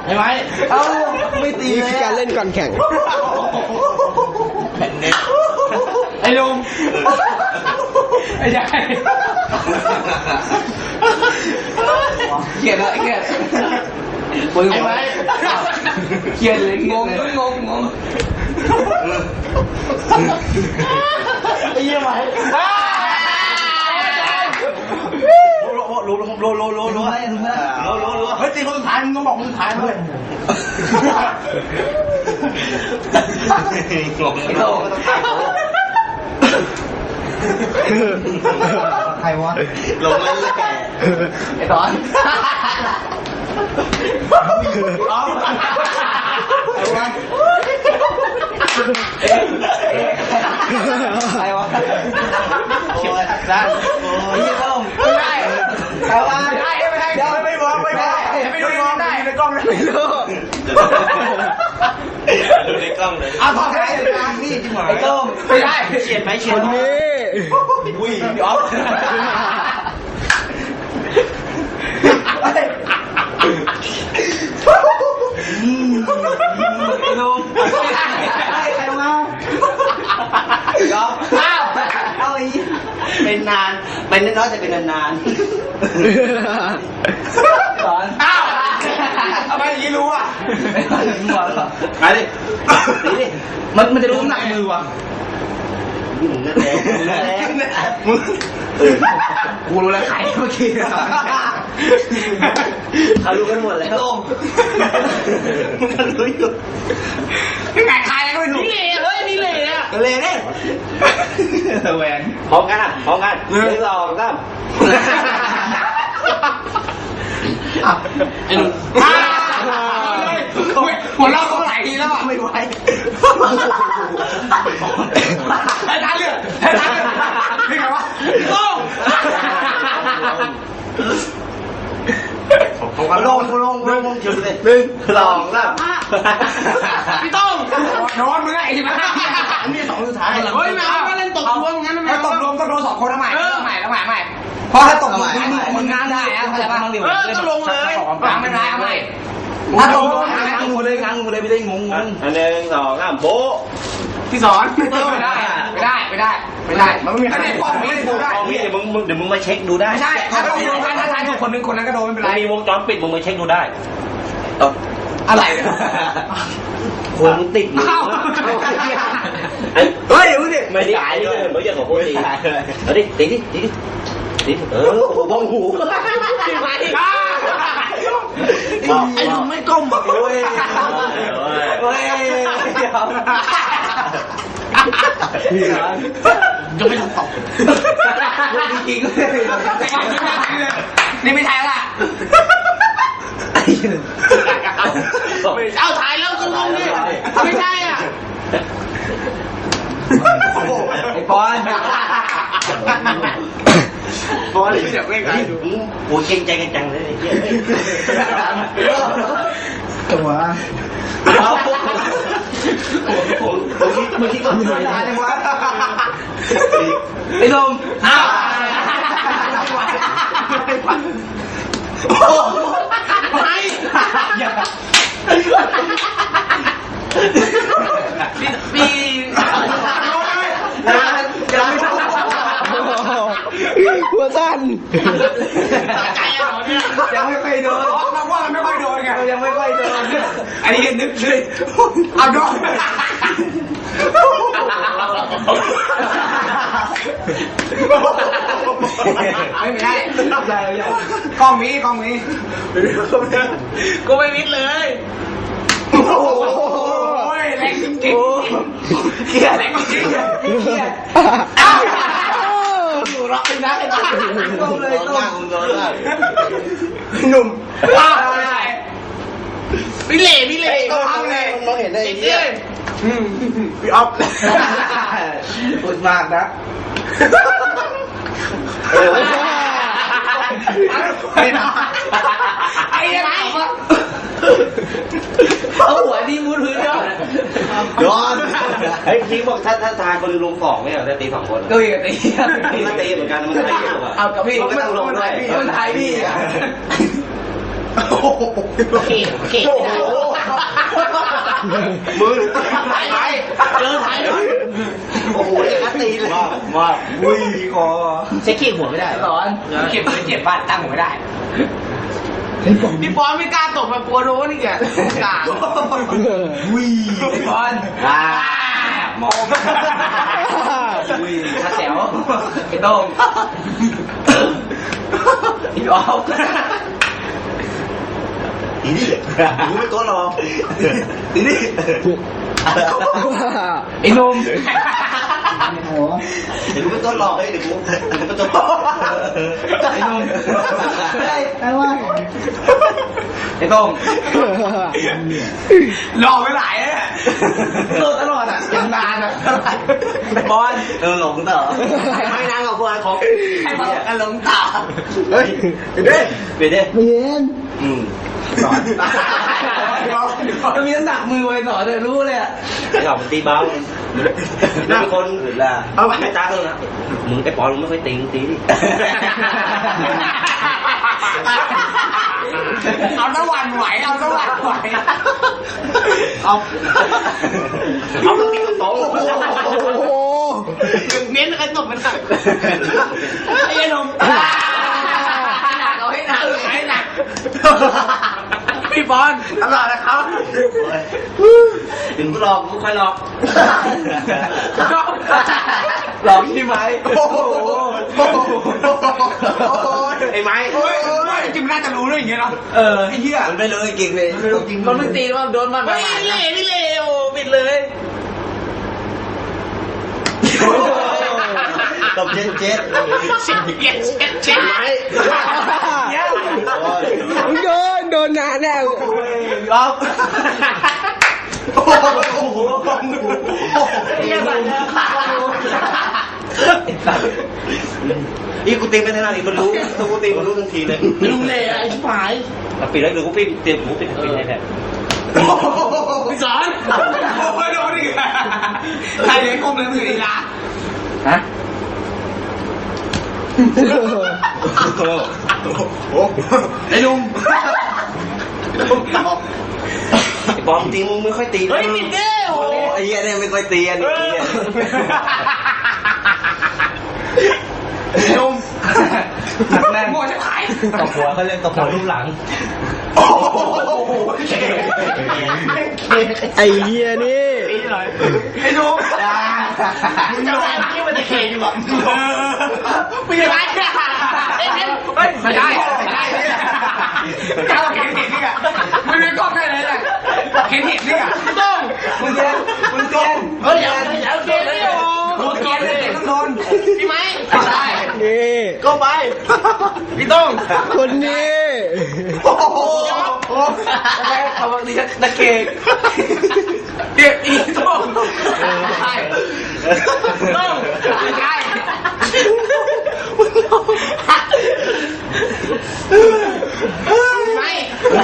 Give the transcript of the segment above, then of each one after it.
ไอ้ไม้เอาไม่ตีเลยนี่คือการเล่นก่อนแข่งไอ้ลุงไอ้ใหญ่เขียนเลยเขียนไอ้ไม้เขียนเลยงงไอ้เหี้ยไม้รู้เฮ้ยตีคนสุดท้ายมึงต้องบอกคนสุดท้ายด้วยไอ้โตใครวะลงเลยไอ้ตอนเอาไอ้วะใครวะโอ้ยได้ไม่ได้ใครวะไม่ได้เดี๋ยวไม่บอกไม่ได้ไม่ดูได้ในกล้องไม่รู้ดูในกล้องเลยเอาขอให้นี่จริงเหรอไอ้ต้มไม่ได้เฉียดไหมเฉียดคนนี้อุ้ยพี่อ๊อฟลุงใครมาย้อมเอาอีเป็นนานเป็นน้อยจะเป็นนานสอนอ้าวทำไมอย่างนี้รู้อ่ะหัวแล้วไปดิตีดิมันจะรู้น้ำหนักมือว่ะกูรู้แล้วใครเมื่อกี้เขารู้กันหมดแล้วมึงก็รู้อยู่ไก่ใครก็ไม่รู้นี่เฮ้ยนี่เลยอ่ะเลยเนี่ยแหวนพร้อมกัน1 2 3ไอ้หนุ่มหัวเราะเขาหลายทีแล้วอ่ะไม่ไหวให้ทันเลยนี่ไงวะโต้งลงจุดเลย1 2 3พี่โต้งนอนมึงไงใช่ไหมนี่2สุดท้ายเฮ้ยไม่เอาเล่นตกรวมงั้นไม่ตกรวมต้องโดน2คนทำไมเพราะถ้าตกมึงงานได้อะเข้าใจป่ะต้องลงเลยไม่ได้เอาใหม่ถ้าตกงานงูเลยไม่ได้งง 1 2 3โบพี่สอนไม่ได้มันไม่มีใครป้องไม่ได้ดูได้เดี๋ยวมึงมาเช็คดูได้ไม่ใช่ถ้าตกลงกันถ้าทายถูกคนนึงคนนั้นก็โดนไม่เป็นไรมีวงจรปิดมึงมาเช็คดูได้อะไรคนมึงติดมือเฮ้ยดูดิไม่ได้เลยไม่ใช่ของคนตีเอาดิตีบ้องหูไอ้ลุงไม่ก้มแบบโอ้ยจะไม่ทำตกจริงนี่ไม่ใช่ละเอาถ่ายแล้วก็ลงดิไม่ใช่อ่ะไอ้ปอนเสียงเล่นกันโอ้ยเก่งใจกันจังเลยตัวเมื่อกี้ก็ไม่ได้จังวะไอ้ลมอ้าวไม่ปีหัวสั้นยังไม่ค่อยโดนเราว่ามันไม่ค่อยโดนไงยังไม่ค่อยโดนอันนี้นึกเลยเอาโดนไม่ได้กล้องมีก็ไม่มิดเลยโอ้ยแรงจริงเกียร์แรงจริงอ้าวดูรักไปนะไอ้ต้มเลยต้มหนุ่มพี่เล่ต้มเลยมองเห็นได้ยังไงพี่อ๊อฟพูดมากนะไอ้ยังไงเอาหัวดีมุดพื้นด้วยย้อนไอ้คิงบอกถ้าทายคนลง2ไม่เหรอแต่ตี2คนก็มีตีเหมือนกันมันตีเอากับพี่ไม่ต้องลงด้วยมันทายพี่เข่มือถ่ายเจอถ่ายโอ้โหจะตีเลยมาวิ่งคอใช้เข่หัวไม่ได้สอนเข่มือเจ็บบ้านตั้งหัวไม่ได้พี่บอลไม่กล้าตกมากลัวโดนนี่แกกล้าวิ่งพี่บอลมองวิ่งขาแถวไอ้โต้งอีออฟทีนี่รู้ไม่ตัวรอทีนี่ไอ้นมเดี๋ยวกูเป็นตัวหลอกเลยเดี๋ยวกูเป็นตัวหลอกไอ้นมไอ้ว่าไอ้ต้งหลอกไปหลายเลยโดนตลอดอ่ะยังนานอ่ะบอลหลงต่อไม่นานกับคนของไอ้บอลหลงต่อเฮ้ยเดี๋ยวเดี๋ยวเมียนสอนมีน้ำหนักมือไว้สอนเลยรู้เลยอ่ะไอ้หอกมันตีเบาหน้าคนอื่นล่ะเอาไปจ้าเลยนะมึงไอ้ปอนมึงไม่ค่อยตีดิเอาตะวันไหวเอาตะวันไหวเอาต้องตีกับโต๊ะโอ้โหเน้นไอ้ตบมันหนักไอ้นมหนักเอาให้หนักให้หนักพี่บอลตลอดนะครับถึงหลอกกูค่อยหลอกหลอกพี่ไหมโอ้โหไอ้ไม้จริงน่าจะรู้เรื่องอย่างเงี้ยเนาะไอ้เหี้ยมันไม่รู้จริงเลยมันไม่ตีว่าโดนมันไม่เล่ไม่เล่โอ้ปิดเลยตบเจ็ดไหมโดนนานแน่รอบอีกูตีไปขนาดนี้มันรู้ต้องกูตีมันรู้ทันทีเลยไม่รู้เลยไอ้ชิบหายปิดแล้วหรือกูปิดเต็มกูปิดให้แทนพี่สอนโอ้ยโดนอีกใครเลี้ยงกลมเลยมืออีลาฮะไอ้ลุงไอ้บอมตีมึงไม่ค่อยตีเฮ้ยปิดเด้โอ้ไอ้เหี้ยเนี่ยไม่ค่อยตีอันนี้ลุงหนักแน่นมั่วจะขายตบหัวเขาเล่นตบหัวรูปหลังไอ้เหี้ยนี่ไอ้ลุงมึงจะอะไรที่มันจะเขยอยู่แบบมึงจะไรไม่ได้ก้าวเข็นเห็นนี่อะมึงเรียนกล้องได้เลยเนี่ยเข็นเห็นนี่อะต้องมึงเรียนเฮ้ยอย่าเขียนนี่โอ้เขียนเลยต้องโดนพี่ไหมได้นี่ก็ไปพี่ต้องคนนี้โอ้โหเขาบอกนี่นักเก่งเด็กอีต้องใช่ต้องใช่ไม่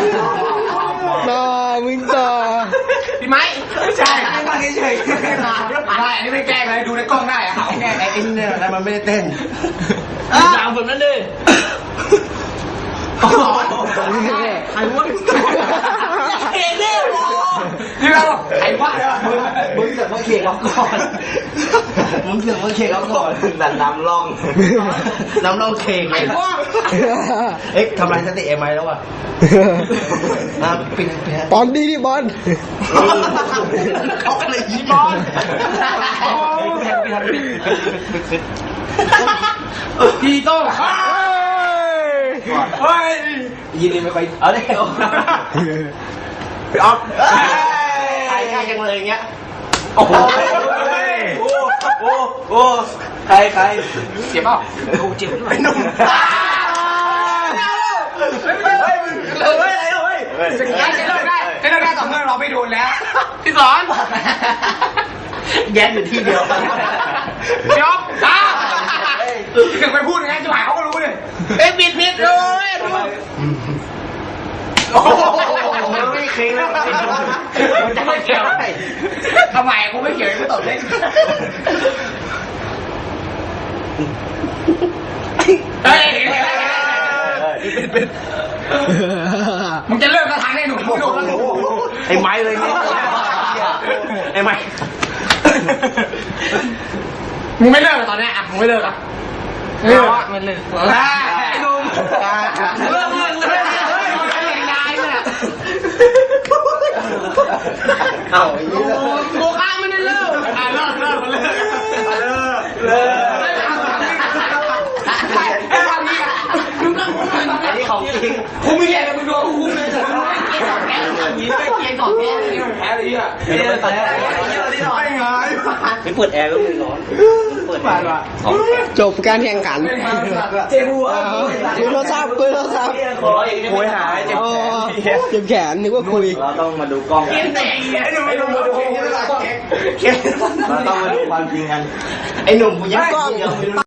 มึงต่อพี่ไม้ไม่ใช่ไม่ฟังเฉยๆได้อันนี้ไม่แกล้งเลยดูในกล้องได้อะเขาแกล้งไอ้เนี่ยแต่มันไม่ได้เต้นสามคนนั่นเลยใครวะเก่งเนี่ยโอ้นี่เราใครวะมึงเสือกมาเข่งเราก่อนมึงเสือกมาเข่งเราก่อนดันน้ำล่องเข่งไอ้วะเอ๊ะทำลายสติเอ็มไอแล้ววะปิดบอลดีดิบอลเขาก็เลยยิ้มบอลพี่ต้องเฮ้ยยินดีไม่ค่อยเอาเลยพี่ออฟใครกล้าจังเลยอย่างเงี้ยโอ้โหโอ้ใครเจ็บเปล่าโอ้เจ็บด้วยนุ่มเฮ้ยสกิลใช้เลิกได้ต่อเมื่อเราไม่โดนแล้วพี่สอนแย่อยู่ที่เดียวพี่ออฟถึงไปพูดอย่างนี้จะหายเขาก็รู้เลยปิดเลยโอ้โหไม่เค็งแล้วมันจะไม่เกี่ยวทำไมกูไม่เกี่ยวกูตบเล่นเฮ้ยมึงจะเลิกกระถางได้หนุ่มโดนไอ้ไม้เลยเนี่ยไอ้ไม้มึงไม่เลิกตอนนี้อ่ะมึงไม่เลิกอ่ะไม่เลิกไอ้หนุ่มเลิกได้เนี่ยเอาโกข้ามไม่ได้เลิกเลิกมันเลิกไอ้ความนี้มึงก็ไอ้นี่ของจริงกูไม่แย่เลยมึงโดนกูเลยมีไปเกียร์ก่อนแพ้เลยแพ้เลยอ่ะไม่ไงไม่เปิดแอร์ก็ไม่ร้อนเปิดจบการแข่งขันเจ็บหัวคุยโทรศัพท์คุยหายเจ็บเจ็บแขนนึกว่าคุยเราต้องมาดูกล้องไอ้หนุ่มมาดูเราต้องมาดูความจริงกันไอ้หนุ่มยังกล้อง